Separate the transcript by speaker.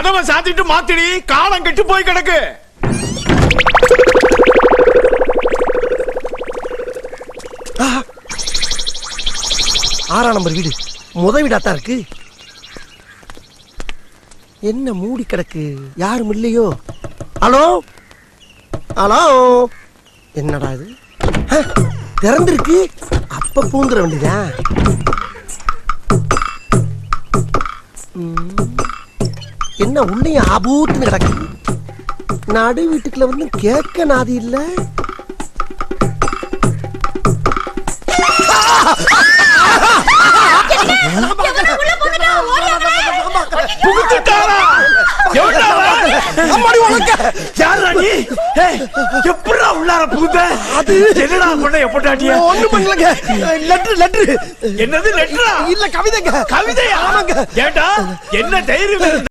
Speaker 1: கதவை சாத்திட்டு மாத்திடி, காலம் கெட்டு போய் கிடக்கு.
Speaker 2: ஆறாம் நம்பர் வீடு முத வீடாத்தான் இருக்கு. என்ன மூடி கிடக்கு, யாரும் இல்லையோ? ஹலோ ஹலோ, என்னடா இது திறந்திருக்கு? அப்ப பூந்துட வேண்டியதா? என்ன உள்ளேயும் ஆபூத்துன்னு கிடக்கு. நடு வீட்டுக்குள்ள வந்து கேட்க நாதி இல்ல.
Speaker 1: உள்ளார புகுந்த அது என்னடா பண்ண எப்படாட்டியா?
Speaker 2: ஒண்ணும் பண்ணலங்க. லெட்டர்.
Speaker 1: என்னது லெட்டரா?
Speaker 2: இல்ல கவிதைங்க.
Speaker 1: கவிதையா?
Speaker 2: ஆமாங்க.
Speaker 1: ஏண்டா என்ன தைரியம்